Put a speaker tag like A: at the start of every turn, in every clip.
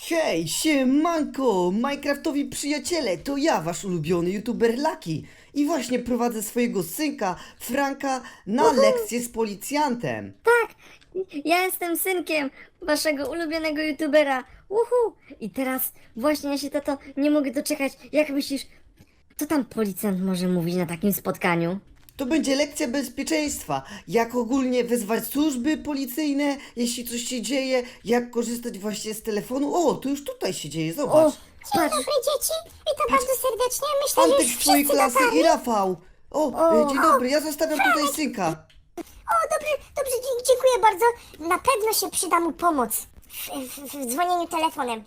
A: Hej, siemanko, Minecraftowi przyjaciele, to ja, wasz ulubiony youtuber Lucky. I właśnie prowadzę swojego synka, Franka, na lekcję z policjantem.
B: Ja jestem synkiem waszego ulubionego youtubera. Uhu! I teraz właśnie ja się, tato, nie mogę doczekać. Jak myślisz, co tam policjant może mówić na takim spotkaniu?
A: To będzie lekcja bezpieczeństwa, jak ogólnie wezwać służby policyjne, jeśli coś się dzieje, jak korzystać właśnie z telefonu. O, to już tutaj się dzieje,
B: O,
A: zobacz.
B: patrz!
C: Dobry dzieci, witam bardzo serdecznie. Myślę, że
A: Antek
C: już
A: z twojej
C: wszyscy
A: klasy
C: dotarli.
A: i Rafał. O, dzień dobry, ja zostawiam tutaj synka.
C: O, dobrze, dziękuję bardzo. Na pewno się przyda mu pomoc w dzwonieniu telefonem.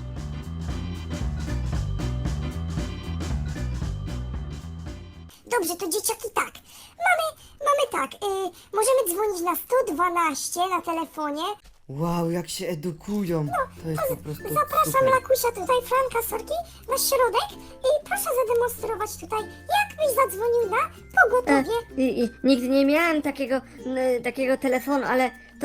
C: Dobrze, to dzieciaki tak. Mamy tak, możemy dzwonić na 112 na telefonie.
A: Wow, jak się edukują. To jest po prostu
C: Zapraszam
A: super.
C: Lakusia tutaj, Franka, sorki, na środek i proszę zademonstrować tutaj, jak byś zadzwonił na pogotowie.
B: Nigdy nie miałem takiego telefonu, ale to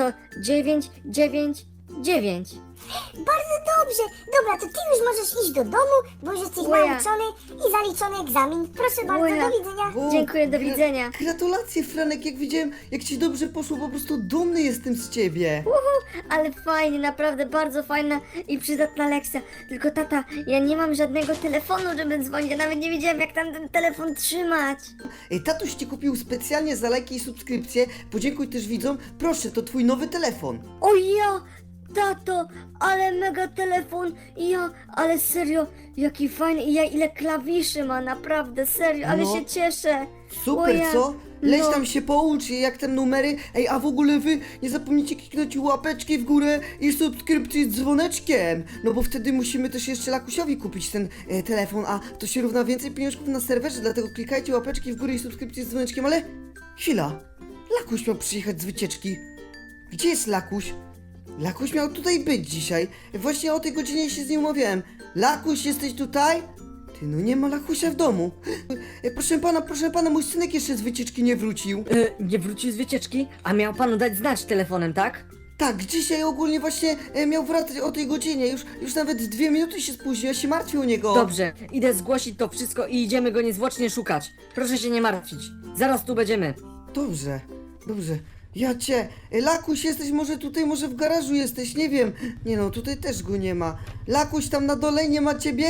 B: 999.
C: Bardzo dobrze. Dobra, to ty już możesz iść do domu, bo już jesteś
B: Łoja.
C: nauczony i zaliczony egzamin. Proszę bardzo,
B: Łoja.
C: do widzenia.
A: O,
B: Dziękuję, do widzenia.
A: Gratulacje, Franek, jak widziałem, jak ci dobrze poszło, po prostu dumny jestem z ciebie.
B: Ale fajnie, naprawdę bardzo fajna i przydatna lekcja. Tylko tata, ja nie mam żadnego telefonu, żeby dzwonić. Ja nawet nie wiedziałem, jak tam ten telefon trzymać.
A: Tatuś ci kupił specjalnie za lajki i subskrypcje. Podziękuj też widzom. Proszę, to twój nowy telefon.
B: O ja, tato, ale mega telefon. Ale serio, jaki fajny. I ja ile klawiszy ma, naprawdę, serio, ale
A: No.
B: się cieszę.
A: Super,
B: O ja,
A: co? Leś
B: no.
A: tam się poucz, jak tam numery. Ej, a w ogóle wy nie zapomnijcie kliknąć łapeczki w górę i subskrypcji z dzwoneczkiem. No bo wtedy musimy też jeszcze Lakusiowi kupić ten telefon, a to się równa więcej pieniążków na serwerze, dlatego klikajcie łapeczki w górę i subskrypcje z dzwoneczkiem, ale chwila. Lakuś miał przyjechać z wycieczki. Gdzie jest Lakuś? Lakuś miał tutaj być dzisiaj. Właśnie o tej godzinie się z nim umawiałem. Lakuś, jesteś tutaj? Ty, no nie ma Lakusia w domu. Proszę pana, mój synek jeszcze z wycieczki nie wrócił.
D: Nie wrócił z wycieczki, a miał panu dać znać telefonem, tak?
A: Tak, dzisiaj ogólnie właśnie miał wracać o tej godzinie. Już nawet 2 minuty się spóźnił, ja się martwię o niego.
D: Dobrze, idę zgłosić to wszystko i idziemy go niezwłocznie szukać. Proszę się nie martwić. Zaraz tu będziemy.
A: Dobrze, dobrze. Ja cię. Lakuś, jesteś może tutaj, może w garażu jesteś, nie wiem. Nie no, tutaj też go nie ma. Lakuś, tam na dole nie ma ciebie?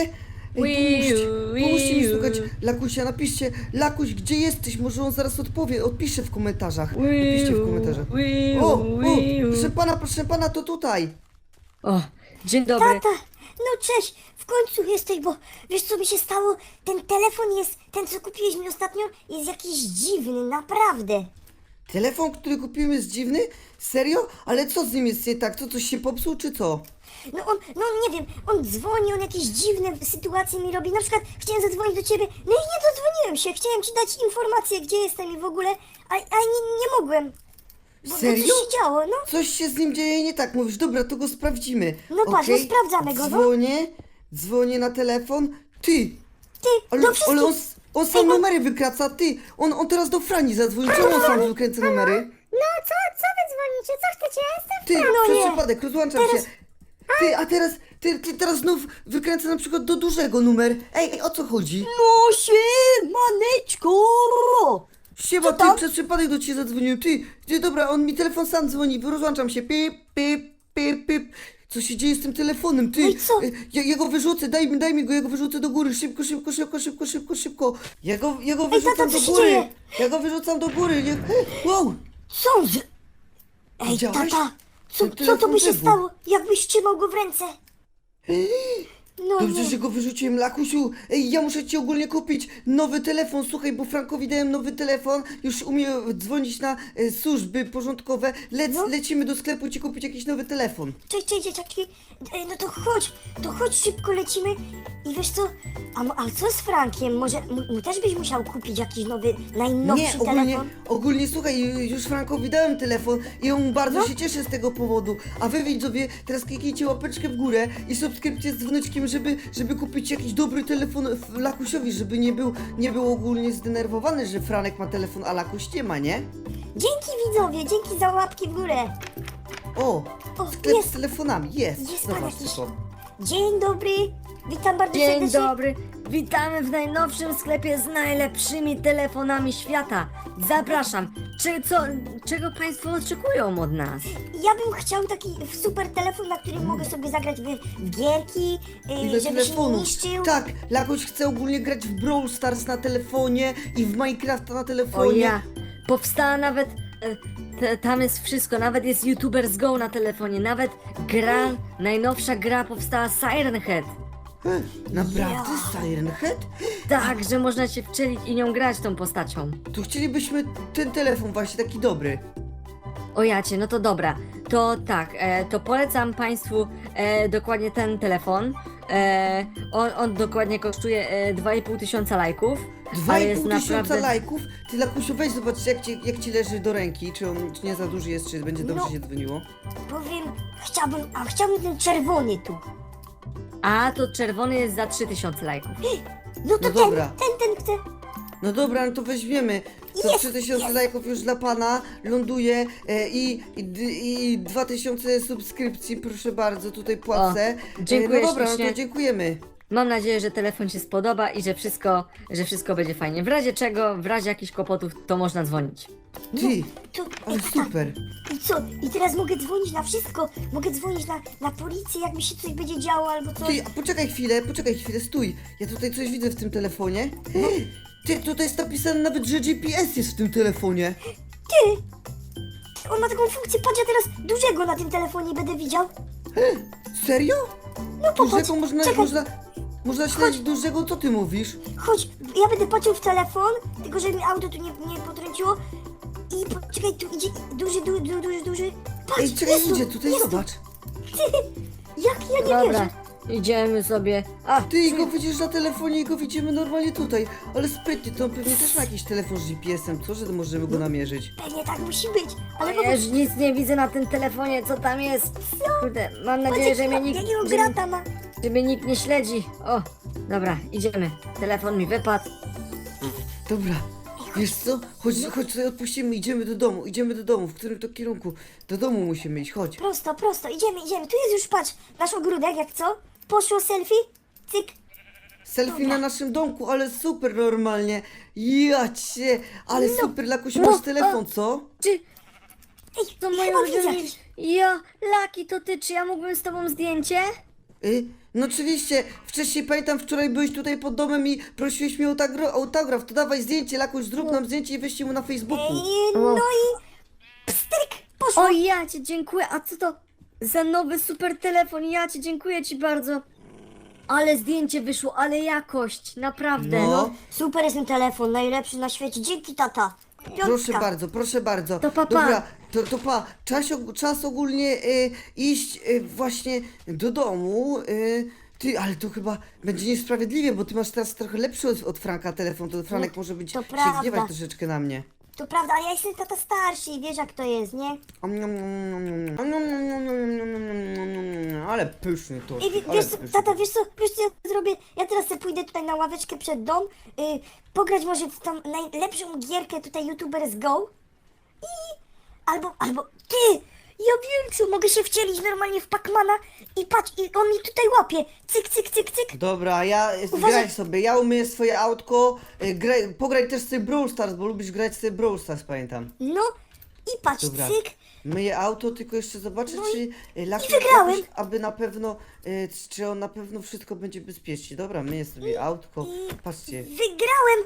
A: Pomóżcie mi szukać Lakusia, napiszcie. Lakuś, gdzie jesteś? Może on zaraz odpisze w komentarzach. Napiszcie w komentarzach. O, proszę pana, to tutaj.
D: O, dzień dobry.
C: Tata, no cześć, w końcu jesteś, bo wiesz co mi się stało? Ten telefon jest, ten co kupiłeś mi ostatnio, jest jakiś dziwny, naprawdę.
A: Telefon, który kupiłem jest dziwny? Serio? Ale co z nim jest nie tak? Co, coś się popsuł, czy co?
C: No nie wiem, on dzwoni, on jakieś dziwne sytuacje mi robi. Na przykład chciałem zadzwonić do ciebie, no i nie dodzwoniłem się. Chciałem ci dać informację, gdzie jestem i w ogóle, a nie mogłem. Bo
A: Serio?
C: coś się działo, no.
A: Coś się z nim dzieje nie tak, mówisz, dobra, to go sprawdzimy.
C: No patrz, no
A: Okej,
C: sprawdzamy go, no.
A: dzwonię na telefon. Ty,
C: Ty, do wszystkich.
A: ale on sam numery wykraca, ty. On teraz do Frani zadzwonił, czemu on sam wykręca numery?
C: No co wy dzwonicie? Co chcecie? Ja jestem
A: Ty,
C: no
A: przez
C: nie.
A: przypadek, rozłączam
C: Teraz-
A: się. Ty, a teraz, ty teraz znów wykręca na przykład do dużego numer. Ej, o co chodzi?
D: No siemaneczko!
A: Siema,
C: Co tam?
A: ty, przez przypadek do ciebie zadzwoniłem. Ty, dobra, on mi telefon sam dzwoni, rozłączam się. Pip, pip, pip, pip. Co się dzieje z tym telefonem? Ty,
C: No i co?
A: Ja go wyrzucę, daj mi go, ja go wyrzucę do góry. Szybko. Ja go wyrzucam
C: tata, co
A: do
C: się
A: góry.
C: dzieje?
A: Ja go wyrzucam do góry. Wow,
C: Co? Ej,
A: Widziałeś?
C: tata,
A: Ten
C: co to
A: telefon
C: by się
A: wybuchł.
C: stało, jakbyś trzymał go w ręce? No
A: dobrze,
C: nie.
A: że go wyrzuciłem, Lakusiu. Ej, ja muszę ci ogólnie kupić nowy telefon. Słuchaj, bo Frankowi dałem nowy telefon. Już umie dzwonić na służby porządkowe.
C: No.
A: Lecimy do sklepu ci kupić jakiś nowy telefon.
C: Cześć, dzieciaki. No to chodź szybko lecimy. I wiesz co, a co z Frankiem? Może mu też byś musiał kupić jakiś nowy, najnowszy
A: Nie,
C: telefon?
A: ogólnie słuchaj, już Frankowi dałem telefon i on bardzo się cieszy z tego powodu. A wy widzowie, teraz kliknijcie łapeczkę w górę i subskrypcję z dzwoneczkiem, żeby kupić jakiś dobry telefon Lakusiowi, żeby nie był ogólnie zdenerwowany, że Franek ma telefon, a Lakuś nie ma, nie?
C: Dzięki widzowie, dzięki za łapki w górę.
A: O,
C: O,
A: sklep
C: jest.
A: z telefonami, jest.
C: Jest pan
A: Zobaczcie
C: jakiś.
A: to.
C: Dzień dobry. Witam bardzo
B: Dzień
C: serdecznie.
B: dobry, witamy w najnowszym sklepie z najlepszymi telefonami świata. Zapraszam. Czego Państwo oczekują od nas?
C: Ja bym chciał taki super telefon, na którym mogę sobie zagrać w gierki,
A: Ile
C: żeby się nie
A: telefonów?
C: niszczył.
A: Tak, Lakuś chce ogólnie grać w Brawl Stars na telefonie i w Minecrafta na
B: O
A: telefonie.
B: ja, powstała nawet, tam jest wszystko, nawet jest YouTubers Go na telefonie, nawet gra, najnowsza gra powstała Siren Head.
A: Naprawdę, Siren Head?
B: Tak, że można się wczelić i nią grać tą postacią.
A: To chcielibyśmy ten telefon właśnie taki dobry.
B: O jacie, no to dobra. To tak, to polecam Państwu dokładnie ten telefon. On dokładnie kosztuje 2,5 tysiąca lajków. a
A: 2,5
B: jest
A: tysiąca lajków? Ty Lakusiu, weź zobacz jak ci leży do ręki, czy on czy nie za duży jest, czy będzie dobrze
C: No.
A: się dzwoniło.
C: Powiem, chciałbym ten czerwony tu.
B: A to czerwony jest za 3000 lajków.
C: No to
A: No dobra.
C: ten chcę.
A: No dobra, no to weźmiemy. To
C: Jest,
A: 3000
C: jest.
A: lajków już dla pana ląduje i 2000 subskrypcji, proszę bardzo, tutaj płacę.
B: dziękuję
A: No dobra, no
B: ślicznie.
A: to dziękujemy.
B: Mam nadzieję, że telefon się spodoba i że wszystko będzie fajnie. W razie czego, w razie jakichś kłopotów, to można dzwonić.
A: Ty,
C: To,
A: ale super.
C: I co? I teraz mogę dzwonić na wszystko. Mogę dzwonić na policję, jak mi się coś będzie działo albo coś.
A: Ty, a poczekaj chwilę, stój. Ja tutaj coś widzę w tym telefonie. Ty, tutaj jest napisane nawet, że GPS jest w tym telefonie.
C: Ty! On ma taką funkcję, patrz, ja teraz dużego na tym telefonie będę widział.
A: Serio?
C: No popatrz,
A: Dużego można,
C: czekaj,
A: można śledzić dużego, co ty mówisz?
C: chodź, ja będę patrzył w telefon, tylko żeby mi auto tu nie potrąciło. I poczekaj, tu idzie duży. Patrz,
A: Ej, czekaj,
C: jest tu,
A: idzie tutaj,
C: jest tu.
A: zobacz.
C: Jak ja nie
B: Dobra,
C: wierzę.
B: idziemy sobie. A,
A: Ty go widzisz na telefonie i go widzimy normalnie tutaj. Ale sprytnie, to on pewnie też ma jakiś telefon z GPS-em, co, że możemy go namierzyć?
C: Pewnie tak musi być, ale
B: ja już nic nie widzę na tym telefonie, co tam jest. Kurde, mam nadzieję, że mnie nikt,
C: jakiego
B: że,
C: grata ma.
B: że mnie nikt nie śledzi. O, dobra, idziemy. Telefon mi wypadł.
A: Dobra, wiesz co? Chodź sobie odpuścimy, idziemy do domu, w którym to kierunku? Do domu musimy iść, chodź.
C: Prosto, idziemy. Tu jest już, patrz, nasz ogródek, jak co? Poszło selfie, cyk.
A: Selfie na naszym domku, ale super normalnie. Ja cię, ale super, Lakuś,
B: no,
A: masz telefon, co?
B: Czy
C: Ej,
B: to moje
C: chyba widzę
B: ulubione...
C: jakiś.
B: Ja, Laki, to ty, czy ja mógłbym z tobą zdjęcie?
A: No oczywiście, wcześniej pamiętam, wczoraj byłeś tutaj pod domem i prosiłeś mnie o autograf, to dawaj zdjęcie, Lakuś, zrób nam zdjęcie i weźcie mu na Facebooku.
C: No i pstryk, poszło.
B: O, ja ci dziękuję. A co to za nowy super telefon? Ja ci dziękuję ci bardzo. Ale zdjęcie wyszło, ale jakość, naprawdę.
A: No.
C: Super jest ten telefon, najlepszy na świecie. Dzięki, tata. Piątka.
A: Proszę bardzo.
B: To pa, pa.
A: Dobra, to pa. Czas ogólnie iść właśnie do domu. Ty, ale to chyba będzie niesprawiedliwie, bo ty masz teraz trochę lepszy od Franka telefon, to Franek może być
C: to
A: się
C: prawda.
A: gniewać troszeczkę na mnie.
C: To prawda, ale ja jestem tata starszy i wiesz jak to jest, nie?
A: Ale pyszny to.
C: I wiesz co, tata, wiesz co ja zrobię? Ja teraz sobie pójdę tutaj na ławeczkę przed dom, pograć może w tą najlepszą gierkę tutaj YouTubers Go i... Albo ty! Ja wiem co, mogę się wcielić normalnie w Pacmana i patrz, i on mi tutaj łapie. Cyk.
A: Dobra, graj sobie, ja umyję swoje autko, pograj też sobie Brawl Stars, bo lubisz grać sobie Brawl Stars, pamiętam.
C: No i patrz,
A: Dobra.
C: cyk.
A: Myję auto, tylko jeszcze zobaczę,
C: No
A: czy Lucky
C: wygrałem.
A: aby na pewno, czy on na pewno wszystko będzie bezpiecznie. Dobra, myję sobie autko, patrzcie.
C: Wygrałem!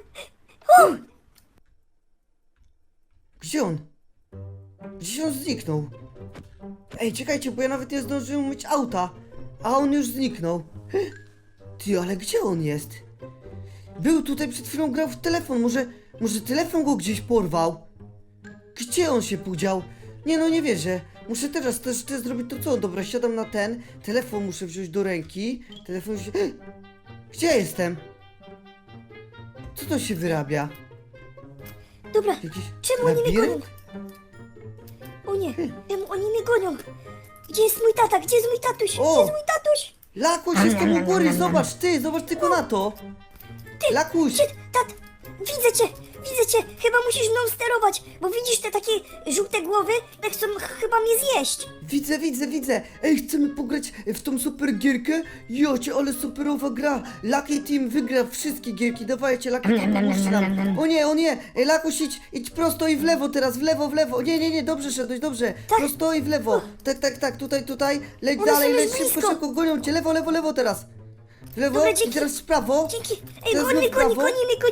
A: Gdzie on? Gdzieś on zniknął. Ej, czekajcie, bo ja nawet nie zdążyłem myć auta, a on już zniknął. Ty, ale gdzie on jest? Był tutaj przed chwilą, grał w telefon, może telefon go gdzieś porwał? Gdzie on się podział? Nie no, nie wierzę. Muszę teraz też zrobić to co? Dobra, siadam na ten. Telefon muszę wziąć do ręki. Telefon się... Gdzie ja jestem? Co to się wyrabia?
C: Dobra,
A: Jakiś
C: czemu oni mnie gonią?
A: labirynt?
C: O nie, czemu oni mnie gonią? Gdzie jest mój tata? Gdzie jest mój tatuś?
A: O!
C: Gdzie jest mój tatuś?
A: Lakuś, jestem u góry, zobacz tylko na to. Lakuś,
C: Tat, widzę cię, chyba musisz mną sterować, bo widzisz te takie żółte głowy, tak chcą chyba mnie zjeść.
A: Widzę. Ej, chcemy pograć w tą super gierkę? Jocie, ale superowa gra. Lucky Team wygra wszystkie gierki. Dawajcie, Lucky Team, pomóżcie nam. O nie. Ej, Lakuś, idź prosto i w lewo teraz, w lewo. Nie, dobrze szedłeś, dobrze. Prosto i w lewo. Tak, tutaj. Leć
C: One
A: dalej,
C: są
A: leć
C: już blisko.
A: szybko, gonią cię. Lewo teraz. W lewo
C: Dobra,
A: i
C: dzięki.
A: teraz w prawo.
C: Dzięki. Ej,
A: Teraz
C: goni,
A: w prawo.
C: goni.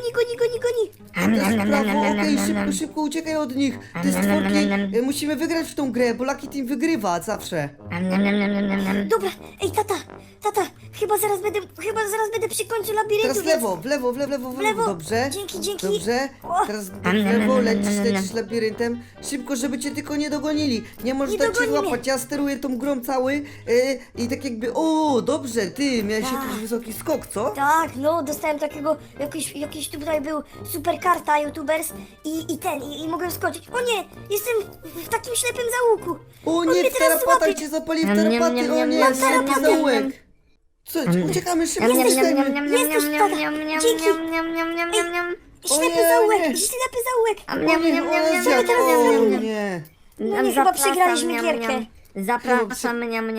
A: Teraz w prawo, okej, szybko uciekaj od nich. Te stworki, musimy wygrać w tą grę, bo Lucky Team wygrywa zawsze.
C: Dobra, ej, tata, chyba zaraz będę przy końcu labiryntu,
A: Teraz w lewo, w lewo, dobrze.
C: Dzięki.
A: Dobrze,
C: O.
A: teraz w lewo, lecisz labiryntem. Szybko, żeby cię tylko nie dogonili. Nie możesz
C: Nie
A: dać się
C: dogoni mnie.
A: złapać, ja steruję tą grą cały i tak jakby, o, dobrze, ty, miałeś jakiś wysoki skok, co?
C: Tak, no, dostałem takiego, jakiś tutaj był super karta youtubers i mogłem skoczyć. O nie, jestem w takim ślepym zaułku.
A: O
C: On
A: nie,
C: mnie
A: w
C: teraz
A: tarapatach
C: złapie.
A: cię zapali, w tarapaty, o nie,
C: Mam
A: ślepy
C: tarapaty.
A: zaułek. Co, uciekamy szybko, uciekajmy.
C: Jesteś, tata. Dzięki. Ślepy
A: nie,
C: zaułek,
A: nie.
C: ślepy zaułek.
A: O nie, o
C: teraz
A: nie, o nie.
C: No nie, chyba przegraliśmy gierkę.
B: Zapraszam,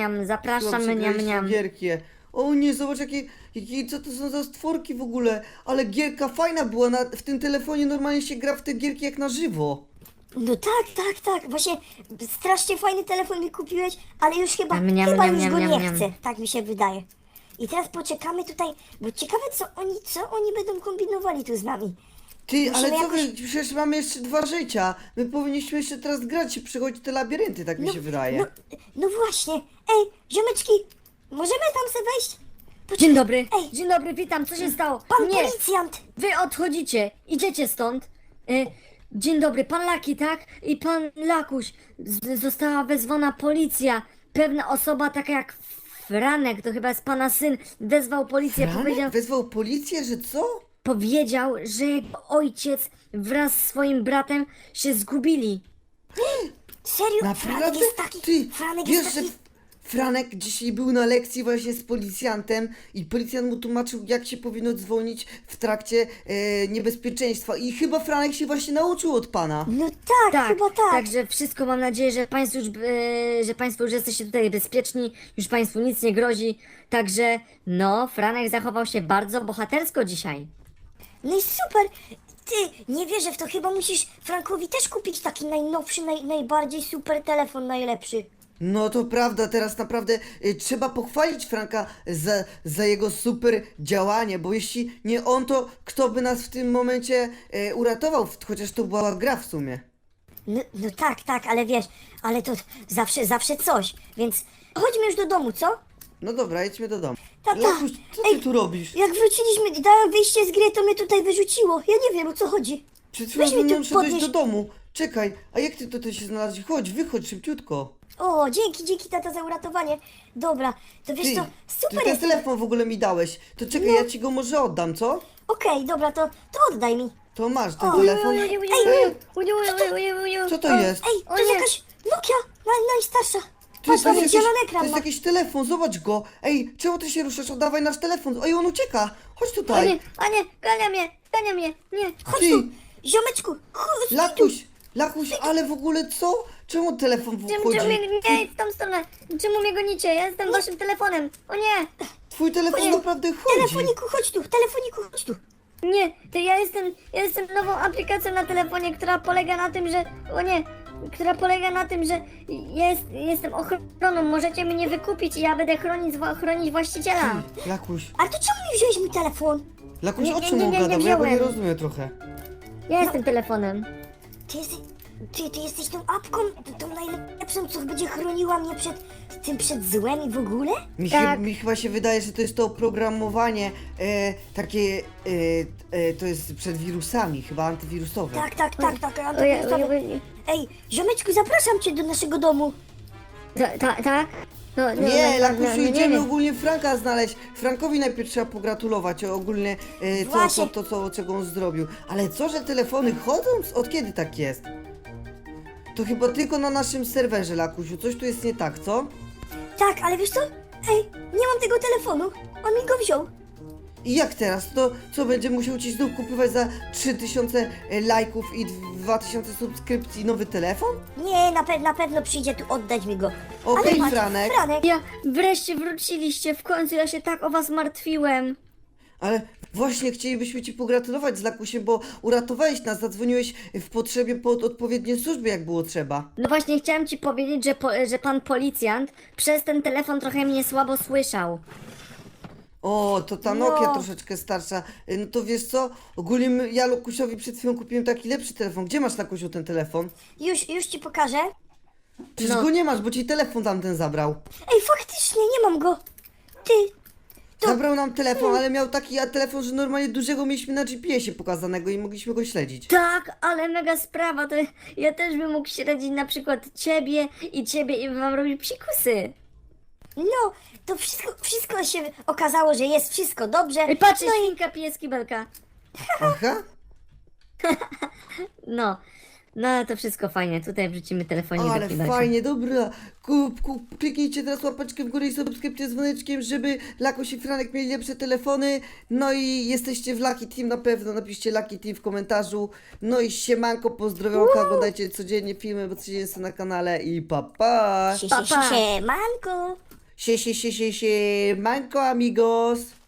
A: Gierkie. O nie, zobacz co to są za stworki w ogóle. Ale gierka fajna była, w tym telefonie normalnie się gra w te gierki jak na żywo.
C: No tak. Właśnie strasznie fajny telefon mi kupiłeś, ale już chyba już go nie chcę. Tak mi się wydaje. I teraz poczekamy tutaj, bo ciekawe co oni będą kombinowali tu z nami.
A: Ty,
C: Musimy
A: ale co
C: jakoś-
A: wy, przecież mamy jeszcze 2 życia. My powinniśmy jeszcze teraz grać i przechodzić te labirynty, tak mi się wydaje.
C: No właśnie. Ej, ziomeczki, możemy tam sobie wejść?
B: Dzień dobry,
C: Ej.
B: dzień dobry, witam, co się stało?
C: Pan
B: Nie,
C: policjant!
B: wy odchodzicie, idziecie stąd. Dzień dobry, pan Laki, tak? I pan Lakuś. Została wezwana policja. Pewna osoba, taka jak Franek, to chyba jest pana syn, wezwał policję.
A: Franek wezwał policję, że co?
B: Powiedział, że jego ojciec wraz z swoim bratem się zgubili.
C: Serio? Franek
A: Naprawdę?
C: jest taki...
A: Ty,
C: Franek
A: wiesz,
C: jest
A: że
C: taki...
A: Franek dzisiaj był na lekcji właśnie z policjantem i policjant mu tłumaczył, jak się powinno dzwonić w trakcie niebezpieczeństwa i chyba Franek się właśnie nauczył od pana.
C: No tak, chyba tak.
B: Także wszystko mam nadzieję, że państwo już jesteście tutaj bezpieczni, już państwu nic nie grozi. Także no, Franek zachował się bardzo bohatersko dzisiaj.
C: No i super! Ty, nie wierzę w to, chyba musisz Frankowi też kupić taki najnowszy, najbardziej super telefon, najlepszy.
A: No to prawda, teraz naprawdę trzeba pochwalić Franka za jego super działanie, bo jeśli nie on, to kto by nas w tym momencie uratował, chociaż to była gra w sumie.
C: No tak, ale wiesz, ale to zawsze coś, więc chodźmy już do domu, co?
A: No dobra, jedźmy do domu.
C: Tata,
A: Lakuś, co ty tu robisz?
C: Jak wróciliśmy, dałem wyjście z gry, to mnie tutaj wyrzuciło. Ja nie wiem, o co chodzi.
A: Przed
C: Weź
A: chwilą
C: mnie tu
A: szedłeś
C: podnieś.
A: do domu. Czekaj, a jak ty tutaj się znalazłeś? Chodź, wychodź szybciutko.
C: O, dzięki tata za uratowanie. Dobra, to wiesz
A: Ty,
C: co,
A: ty
C: super
A: ten
C: jest.
A: telefon w ogóle mi dałeś. To czekaj, ja ci go może oddam, co?
C: Okej, dobra, to oddaj mi.
A: To masz ten
C: O,
A: telefon. Co to jest?
C: Ej, to
B: O
C: jest
B: nie.
C: jakaś Nokia, najstarsza.
A: Ty,
C: Patrz,
A: to
C: mamy
A: jest
C: zielony
A: to
C: ekran.
A: jest
C: ma.
A: jakiś telefon, zobacz go. Ej, czemu ty się ruszasz? Oddawaj nasz telefon. Ej, on ucieka. Chodź
B: O
A: tutaj.
B: nie, gania mnie, nie.
C: Chodź
A: Ty.
C: tu, ziomeczku, chodź tu.
A: Lakuś, ale w ogóle co? Czemu telefon
B: Czemu
A: wchodzi?
B: mnie, nie, w tą stronę, czemu mnie gonicie? Ja jestem waszym telefonem, o nie.
A: Twój telefon
C: Nie.
A: naprawdę chodzi.
C: Telefoniku, chodź tu.
B: Nie, to ja jestem nową aplikacją na telefonie, która polega na tym, że... O nie! Która polega na tym, że jestem ochroną. Możecie mnie wykupić i ja będę chronić właściciela.
A: Lakuś,
C: Ale to czemu nie wziąłeś mój telefon?
A: Lakuś,
B: Nie,
A: o
B: nie,
A: czym
B: nie,
A: on
B: nie
A: gada? Bo ja go nie
B: wziąłem.
A: rozumiem trochę.
B: Ja jestem telefonem.
C: Ty jesteś tą apką, tą najlepszą, co będzie chroniła mnie przed złem i w ogóle?
B: Tak.
A: Mi chyba się wydaje, że to jest to oprogramowanie takie, to jest przed wirusami, chyba antywirusowe.
C: Tak,
B: O ja,
C: antywirusowe. Ej, ziomeczku, zapraszam cię do naszego domu.
B: tak? No,
A: Nie, Lakusiu,
B: nie,
A: idziemy
B: nie.
A: ogólnie Franka znaleźć. Frankowi najpierw trzeba pogratulować ogólnie
C: Właśnie.
A: czego on zrobił. Ale co, że telefony chodzą? Od kiedy tak jest? To chyba tylko na naszym serwerze, Lakusiu. Coś tu jest nie tak, co?
C: Tak, ale wiesz co? Ej, nie mam tego telefonu. On mi go wziął.
A: I jak teraz? To co, będzie musiał ci znów kupować za 3000 lajków i 2000 subskrypcji nowy telefon?
C: Nie, na pewno przyjdzie tu oddać mi go.
A: Okej,
C: Ale patrz,
A: Franek.
B: Ja wreszcie wróciliście, w końcu ja się tak o was martwiłem.
A: Ale właśnie chcielibyśmy ci pogratulować z Lakusiem, bo uratowałeś nas, zadzwoniłeś w potrzebie pod odpowiednie służby, jak było trzeba.
B: No właśnie chciałem ci powiedzieć, że pan policjant przez ten telefon trochę mnie słabo słyszał.
A: O, to ta Nokia
C: No.
A: troszeczkę starsza. No to wiesz co? Ogólnie ja Lakusiowi przed chwilą kupiłem taki lepszy telefon. Gdzie masz, Lakusiu, ten telefon?
C: Już ci pokażę.
A: Przecież
B: No.
A: go nie masz, bo ci telefon tamten zabrał.
C: Ej, faktycznie, nie mam go. Ty,
A: Zabrał nam telefon, ale miał taki telefon, że normalnie dużego mieliśmy na GPS-ie pokazanego i mogliśmy go śledzić.
B: Tak, ale mega sprawa, to ja też bym mógł śledzić na przykład ciebie i wam robić psikusy.
C: no, to wszystko się okazało, że jest wszystko dobrze.
B: Ej, patrz,
C: no i
B: świnka, pieski, belka.
A: Aha.
B: No, to wszystko fajnie, tutaj wrzucimy telefonik do
A: Ale
B: kibelka.
A: fajnie, dobra. Kliknijcie teraz łapeczkę w górę i subskrypcję z dzwoneczkiem, żeby Lakuś i Franek mieli lepsze telefony. No i jesteście w Lucky Team na pewno, napiszcie Lucky Team w komentarzu. No i siemanko, pozdrowionka, oglądajcie codziennie filmy, bo codziennie są na kanale i pa pa.
C: się,
B: Pa, pa.
C: manko.
A: Manko amigos.